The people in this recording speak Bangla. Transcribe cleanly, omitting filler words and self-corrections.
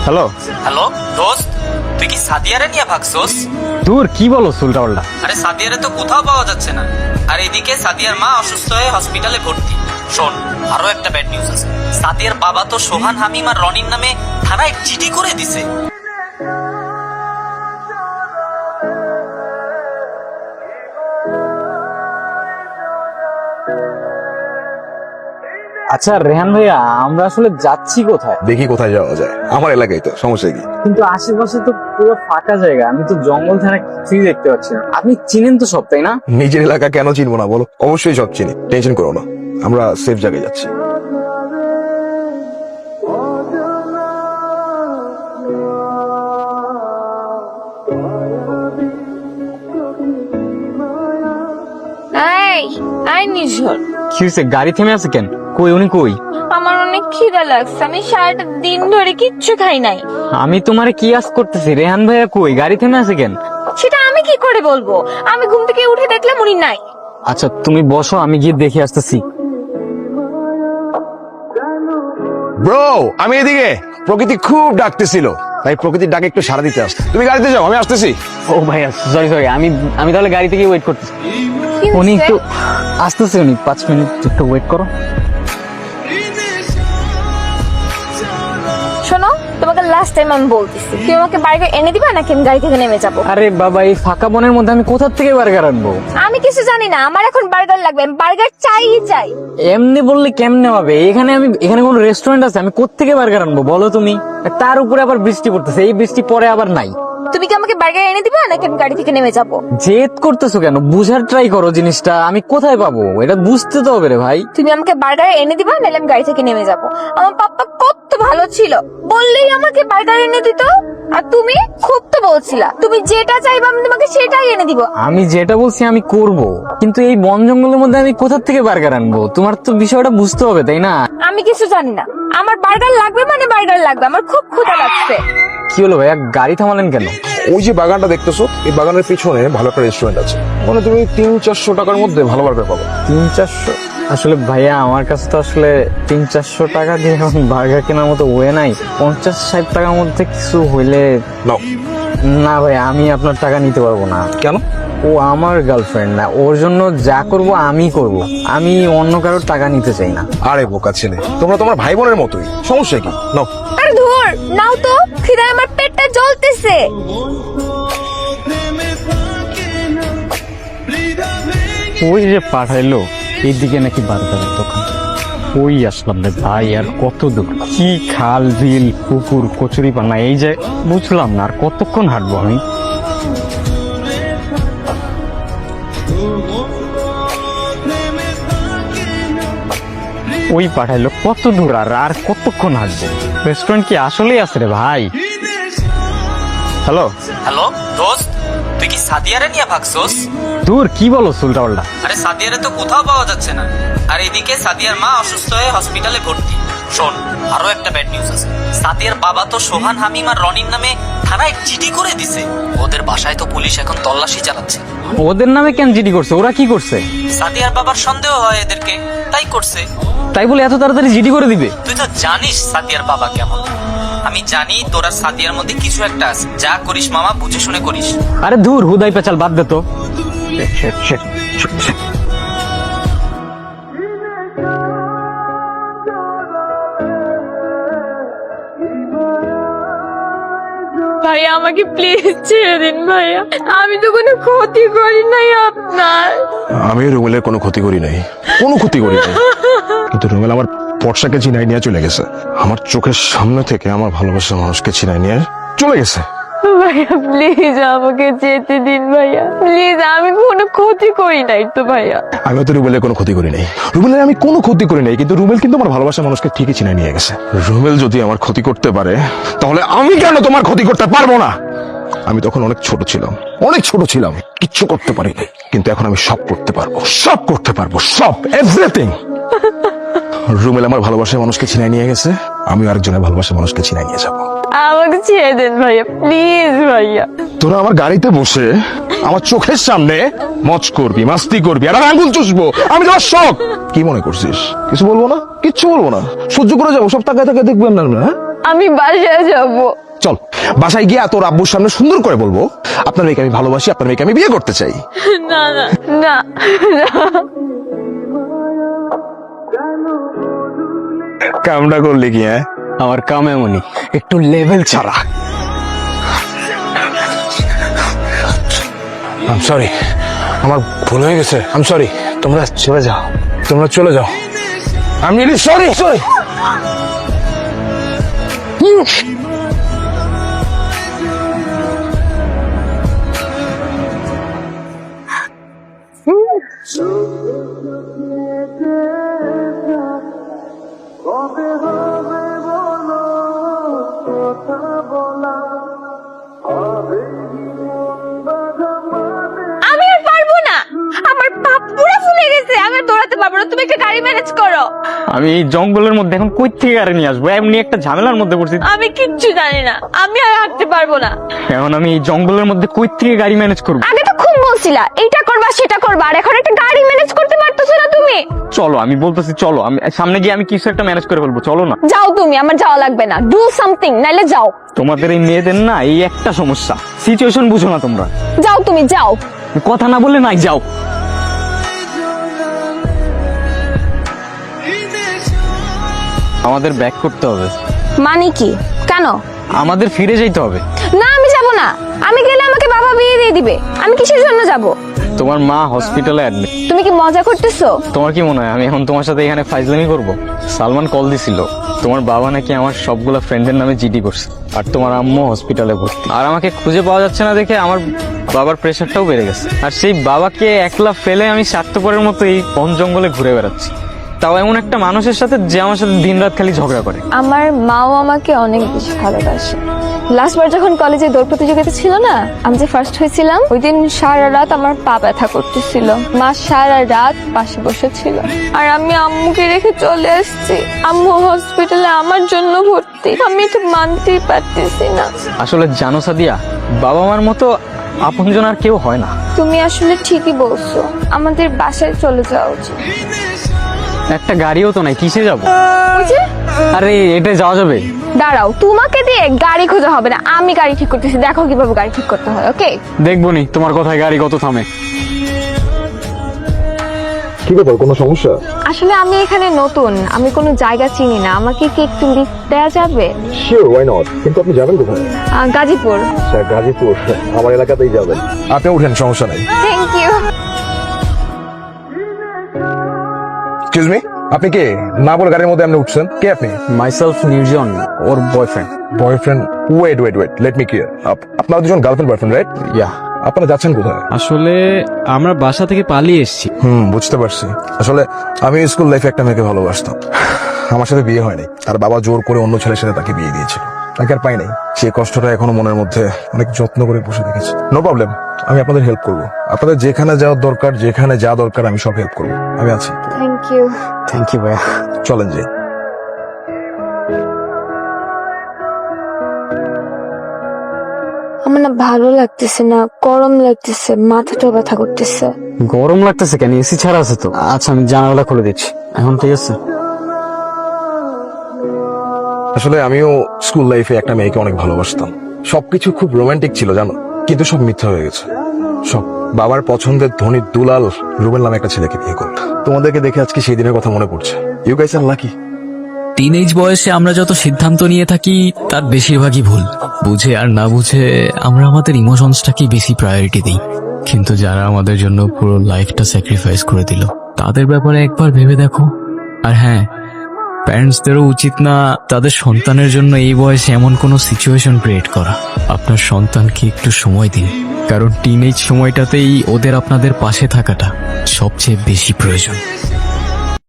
হ্যালো হ্যালো দোস্ত, তুই কি সাদিয়ারে নিয়ে ভাগছোস? দূর কি বলো উল্টা পাল্টা। আরে সাদিয়ারে তো কোথাও পাওয়া যাচ্ছে না। আর এদিকে সাদিয়ার মা অসুস্থ হয়ে হসপিটালে ভর্তি। শোন, আরো একটা ব্যাড নিউজ আছে। সাদিয়ার বাবা তো সোহান, হামিম আর রনির নামে থানায় জিডি করে দিছে। আচ্ছা রেহান ভাইয়া, আমরা আসলে যাচ্ছি কোথায়? দেখি কোথায় যাওয়া যায়, আমার এলাকায় তো, সমস্যা কি? কিন্তু আশেপাশে তো পুরো ফাঁকা জায়গা, আমি তো জঙ্গল ছাড়া কিছুই দেখতে পাচ্ছি না। আপনি চিনেন তো সব, তাই না? নিজের এলাকা কেন চিনবো না বলো? অবশ্যই সব চিনি, টেনশন করো না, আমরা সেফ জায়গায় যাচ্ছি। নিঝর, কি হয়েছে? গাড়ি থেমে আছে কেন? কই উনি কই? আমার অনেক খিদা লাগছে, আমি সারাটা দিন ধরে কিচ্ছু খাই নাই। আমি তোমারে কি আস করতেছি? রেহান ভাইয়া কই? গাড়ি থেমে আছে কেন? সেটা আমি কি করে বলবো? আমি ঘুম থেকে উঠে দেখলাম উনি নাই। আচ্ছা তুমি বসো, আমি গিয়ে দেখে আসতেছি। ব্রো, আমি এদিকে। প্রকৃতি খুব ডাকতেছিল, তাই প্রকৃতির ডাকে একটু সাড়া দিতে আস। তুমি গাড়িতে যাও, আমি আসতেছি। ও ভাইয়া সরি সরি, আমি তাহলে গাড়ি থেকে ওয়েট করতেছি। কি উনি হইছে? একটু আসতেছে, উনি 5 মিনিট একটু ওয়েট করো। শোনো, তোমাকে লাস্ট টাইম আমি বলতেছি, তুমি আমাকে বার্গার এনে দিবা নাকি আমি গাড়ি থেকে নেমে যাবো? আরে বাবা, এই ফাঁকা বনের মধ্যে আমি কোথা থেকে বার্গার আনবো? আমি কিছু জানি না, আমার এখন বার্গার লাগবে, আমি বার্গার চাই চাই। এমনি বললে কেমনে হবে? এখানে কোনো রেস্টুরেন্ট আছে? আমি কোত্থেকে বার্গার আনবো বলো তুমি? তার উপরে আবার বৃষ্টি পড়তেছে, এই বৃষ্টি পরে আবার নাই। তুমি কি আমাকে বার্গার এনে দিবা নাকি আমি গাড়ি থেকে নেমে যাবো? জেদ করতেছো কেন? বুঝার ট্রাই করো জিনিসটা। আমি কোথায় পাবো এটা বুঝতে তো হবে রে ভাই। তুমি আমাকে বার্গার এনে দিবা নাহলে আমি গাড়ি থেকে নেমে যাবো। আমার পাপ্পা কত ভালো ছিল, বললেই আমাকে বার্গার এনে দিত। আর তুমি খুব তো বলছিলা তুমি যেটা চাইবা আমি তোমাকে সেটাই এনে দিব। আমি যেটা বলছি আমি করব, কিন্তু এই বন জঙ্গলের মধ্যে আমি কোথা থেকে বার্গার আনবো? তোমার তো বিষয়টা বুঝতে হবে, তাই না? আমি কিছু জানি না, আমার বার্গার লাগবে মানে বার্গার লাগবে, আমার খুব ক্ষুধা লাগছে। কি হলো ভাইয়া, গাড়ি থামালেন কেন? ওই যে বাগানটা দেখতেছো, এই বাগানের পিছনে ভালো একটা রেস্টুরেন্ট আছে, মানে তুমি 300-400 টাকার মধ্যে ভালো বার্গার পাবো। 300-400? আসলে ভাইয়া আমার কাছে তো আসলে 300-400 টাকা দিয়ে এখন বার্গার কেনার মতো ওয়ে নাই। 50-60 টাকার মধ্যে কিছু হইলে। নাও। না ভাই, আমি আপনার টাকা নিতে পারবো না। কেন? ও আমার গার্লফ্রেন্ড না, ওর জন্য যা করব আমি করব। আমি অন্য কারোর টাকা নিতে চাই না। আরে বোকা ছেলে, তোমরা তোমার ভাই বোনের মতোই, সমস্যা কি? নাও। আরে ধুর, নাও তো, খিদায় আমার পেটটা জ্বলতেছে। ওই যে পাঠাইলো এইদিকে নাকি বার্গারের দোকান। ওই আসলাম রে ভাই, আর কত দূর? কি খাল বিল পুকুর কচুরি পানা, এই যে বুঝলাম না আর কতক্ষণ হাঁটবো আমি। ওই পাঠাইলো কত দূর, আর কতক্ষণ হাঁটবো? রেস্টুরেন্ট কি আসলেই আছে রে ভাই? হ্যালো হ্যালো দোস্ত, তুই কি সাদিয়ারে নিয়ে ভাগছোস? দূর কি বলো উল্টা পাল্টা। আরে সাদিয়ারে তো কোথাও পাওয়া যাচ্ছে না। আর এদিকে সাদিয়ার মা অসুস্থ হয়ে হসপিটালে ভর্তি। শোন, আরো একটা ব্যাড নিউজ আছে। সাদিয়ার বাবা তো সোহান, হামিম আর রনির নামে থানায় জিডি করে দিছে। ওদের বাসায় তো পুলিশ এখন তল্লাশি চালাচ্ছে। ওদের নামে কেন জিডি করছে? ওরা কি করছে? সাদিয়ার বাবার সন্দেহ হয় এদেরকে, তাই করছে। তাই বলে এত তাড়াতাড়ি জিডি করে দিবে? তুই তো জানিস সাদিয়ার বাবা কেমন। আমি জানি তোরা সাদিয়ার মধ্যে কিছু একটা আছে। যা করিস মামা বুঝে শুনে করিস। আরে ধুর, হুদাই পেঁচাল, বাদ দে তো। ভাইয়া আমাকে প্লিজ ছেড়ে দিন ভাইয়া, আমি তো কোনো ক্ষতি করি নাই আপনার। আমি রুমেলের কোনো ক্ষতি করি নাই, কোনো ক্ষতি করি নাই, কিন্তু রুমেল আমার পর্সাকে চিনাই নিয়ে চলে গেছে। আমার চোখের সামনে থেকে আমার ভালোবাসার মানুষকে চিনাই নিয়ে চলে গেছে। ভাইয়া প্লিজ আমাকে যেতে দিন ভাইয়া, প্লিজ, আমি কোনো ক্ষতি করি নাই তো ভাইয়া। আমি তো রুমেলের কোনো ক্ষতি করি নাই, রুমেলের আমি কোনো ক্ষতি করি নাই, কিন্তু রুমেল কিন্তু আমার ভালোবাসার মানুষকে ঠিকই চিনাই নিয়ে গেছে। রুমেল যদি আমার ক্ষতি করতে পারে, তাহলে আমি কেন তোমার ক্ষতি করতে পারবো না? আমি তখন অনেক ছোট ছিলাম, কিচ্ছু করতে পারি নাই, কিন্তু এখন আমি সব করতে পারবো, সব এভরিথিং। রুমেল আমার ভালোবাসার মানুষকে চিনাই নিয়ে গেছে, আমি আরেকজনের ভালোবাসার মানুষকে চিনাই নিয়ে যাবো। আমাকে ছেড়ে দেন ভাইয়া, প্লিজ ভাইয়া। তোরা আমার গাড়িতে বসে আমার চোখের সামনে মজ করবি, মাস্তি করবি, আর আমি আঙ্গুল চুষবো, আমি তোমার শখ। কি মনে করছিস কিছু বলবো না? কিচ্ছু বলবো না, সহ্য করে যাবো, সব তাকায় তাকায় দেখবেন না আপনারা, হ্যাঁ? আমি বাসায় যাব। চল বাসায় গিয়ে তোর আব্বুর সামনে সুন্দর করে বলবো আপনার মেয়েকে আমি ভালোবাসি, আপনার মেয়েকে আমি বিয়ে করতে চাই। না না না না। কামটা করলি কি? হ্যাঁ, আমার কাম এমনই, একটু লেভেল ছাড়া। আম সরি, আমার ভুল হয়ে গেছে, আম সরি, তোমরা চলে যাও, তোমরা চলে যাও, আমি রিয়েলি সরি সরি। আমি আর পারবো না, আমার পা পুরো ফুলে গেছে, আমি আর দৌড়াতে পারবো না, তুমি একটা গাড়ি ম্যানেজ করো। আমি এই জঙ্গলের মধ্যে এখন কই থেকে গাড়ি নিয়ে আসবো? এমনি একটা ঝামেলার মধ্যে পড়ছি। আমি কিচ্ছু জানি না, আমি আর হাঁটতে পারবো না। এখন আমি এই জঙ্গলের মধ্যে কই থেকে গাড়ি ম্যানেজ করবো? আগে তো খুব বলছিলা এইটা করবা সেটা করবা, আর এখন একটা গাড়ি ম্যানেজ করতে পারতেছো না তুমি। চলো, আমি বলতেছি চলো, আমি সামনে গিয়ে আমি কিছু একটা ম্যানেজ করে ফেলবো, চলো না। যাও তুমি, আমার যাওয়া লাগবে না, ডু সামথিং, নাইলে যাও। তোমাদের এই মেয়েদের না এই একটা সমস্যা, সিচুয়েশন বুঝো না তোমরা। যাও তুমি যাও। কথা না বললে নাই, যাও। আমাদের ব্যাক করতে হবে। মানে কি? কেন? আমাদের ফিরে যেতে হবে। না আমি যাব না, আমি গেলে আমাকে বাবা বিয়ে দিয়ে দিবে, আমি কিসের জন্য যাব? তোমার মা হসপিটালে অ্যাডমিট। তুমি কি মজা করতেছো? তোমার কি মনে হয় আমি এখন তোমার সাথে এখানে ফাইজলামি করব? সালমান কল দিছিল, তোমার বাবা নাকি আমার সবগুলা ফ্রেন্ডের নামে জিডি করছে, আর তোমার আম্মু হসপিটালে ভর্তি। আর আমাকে খুঁজে পাওয়া যাচ্ছে না দেখে আমার বাবার প্রেশারটাও বেড়ে গেছে। আর সেই বাবাকে একলা ফেলে আমি স্বার্থপরের মতো এই বন জঙ্গলে ঘুরে বেড়াচ্ছি, তাও এমন একটা মানুষের সাথে যে আমার সাথে দিনরাত খালি ঝগড়া করে। আমার মাও আমাকে অনেক বেশি ভালোবাসে। লাস্টবার যখন কলেজে দৌড় প্রতিযোগিতা ছিল না, আমি যে ফার্স্ট হয়েছিলাম, ওই দিন সারা রাত আমার পা ব্যথা করতেছিল, মা সারা রাত পাশে বসেছিল, আর আমি আম্মুকে রেখে চলে আসছি। আম্মু হসপিটালে আমার জন্য ভর্তি, আমি এটা মানতেই পারতেছি না। আসলে জানো সাদিয়া, বাবা মার মতো আপনজন আর কেউ হয় না। তুমি আসলে ঠিকই বলছো, আমাদের বাসায় চলে যাওয়া উচিত। একটা গাড়িও তো নাই, কিসে যাবো? ওই যে আরে এটা যাওয়া যাবে? দাঁড়াও, তোমাকে দিয়ে গাড়ি খোঁজা হবে না, আমি গাড়ি ঠিক করতেছি, দেখো কিভাবে গাড়ি ঠিক করতে হয়। ওকে, দেখবো নি তোমার কথায় গাড়ি কত থামে। কি ব্যাপার, কোনো সমস্যা? আসলে আমি এখানে নতুন, আমি কোনো জায়গা চিনি না, আমাকে কি একটু লিফট দেওয়া যাবে? শিওর, ওয়াই নট, কিন্তু আপনি যাবেন কোথায়? গাজীপুর। আচ্ছা, গাজীপুর, আমার এলাকাতেই যাবেন, আপনি উঠেন, সমস্যা নেই। Thank you. এক্সকিউজ মি, আপনি কে? না বলে গাড়ির মধ্যে আপনি উঠছেন, কে আপনি? মাইসেলফ নির্জন, ওর boyfriend. Boyfriend? Wait wait wait, let me clear, আপনারা দুজন গার্লফ্রেন্ড বয়ফ্রেন্ড, রাইট? ইয়া। আপনারা যাচ্ছেন কোথায়? আসলে আমরা বাসা থেকে পালিয়ে এসেছি। বুঝতে পারছি। আসলে আমি স্কুল লাইফে একটা মেয়েকে ভালোবাসতাম, আমার সাথে বিয়ে হয়নি, তার বাবা জোর করে অন্য ছেলের সাথে তাকে বিয়ে দিয়েছিল, তাকে আর পাই নাই। সেই কষ্টটা এখনো মনের মধ্যে অনেক যত্ন করে বসে রেখেছি। নো প্রবলেম, আমি আপনাদের হেল্প করব, আপনাদের যেখানে যাওয়ার দরকার, যেখানে যা দরকার আমি সব হেল্প করব, আমি আছি। Thank you. থ্যাংক ইউ ভাইয়া। চলেন যে। আমার না ভালো লাগতেছে না, গরম লাগতেছে, মাথাটা ব্যথা করতেছে। গরম লাগতেছে কেন? এসি ছাড়া আছে তো। আচ্ছা আমি জানালা খুলে দিচ্ছি, এখন ঠিক আছে? আসলে আমিও স্কুল লাইফে একটা মেয়েকে অনেক ভালোবাসতাম, সবকিছু খুব রোমান্টিক ছিল জানো, কিন্তু সব মিথ্যা হয়ে গেছে সব। বাবার পছন্দের ধনী দুলাল রুবেল নামে একটা ছেলেকে বিয়ে করল। তোমাদেরকে দেখে আজকে সেই দিনের কথা মনে পড়ছে। You guys are lucky. Teenage বয়সে আমরা যত সিদ্ধান্ত নিয়ে থাকি তার বেশিরভাগই ভুল। বুঝে আর না বুঝে আমরা আমাদের ইমোশনসটাকেই বেশি প্রায়োরিটি দিই, কিন্তু যারা আমাদের জন্য পুরো লাইফটা স্যাক্রিফাইস করে দিল তাদের ব্যাপারে একবার ভেবে দেখো। আর হ্যাঁ, প্যারেন্টসদেরও উচিত না তাদের সন্তানের জন্য এই বয়সে এমন কোনো সিচুয়েশন ক্রিয়েট করা। আপনার সন্তানকে একটু সময় দিন, কারণ টিনেজ সময়টাতেই ওদের আপনাদের পাশে থাকাটা সবচেয়ে বেশি প্রয়োজন।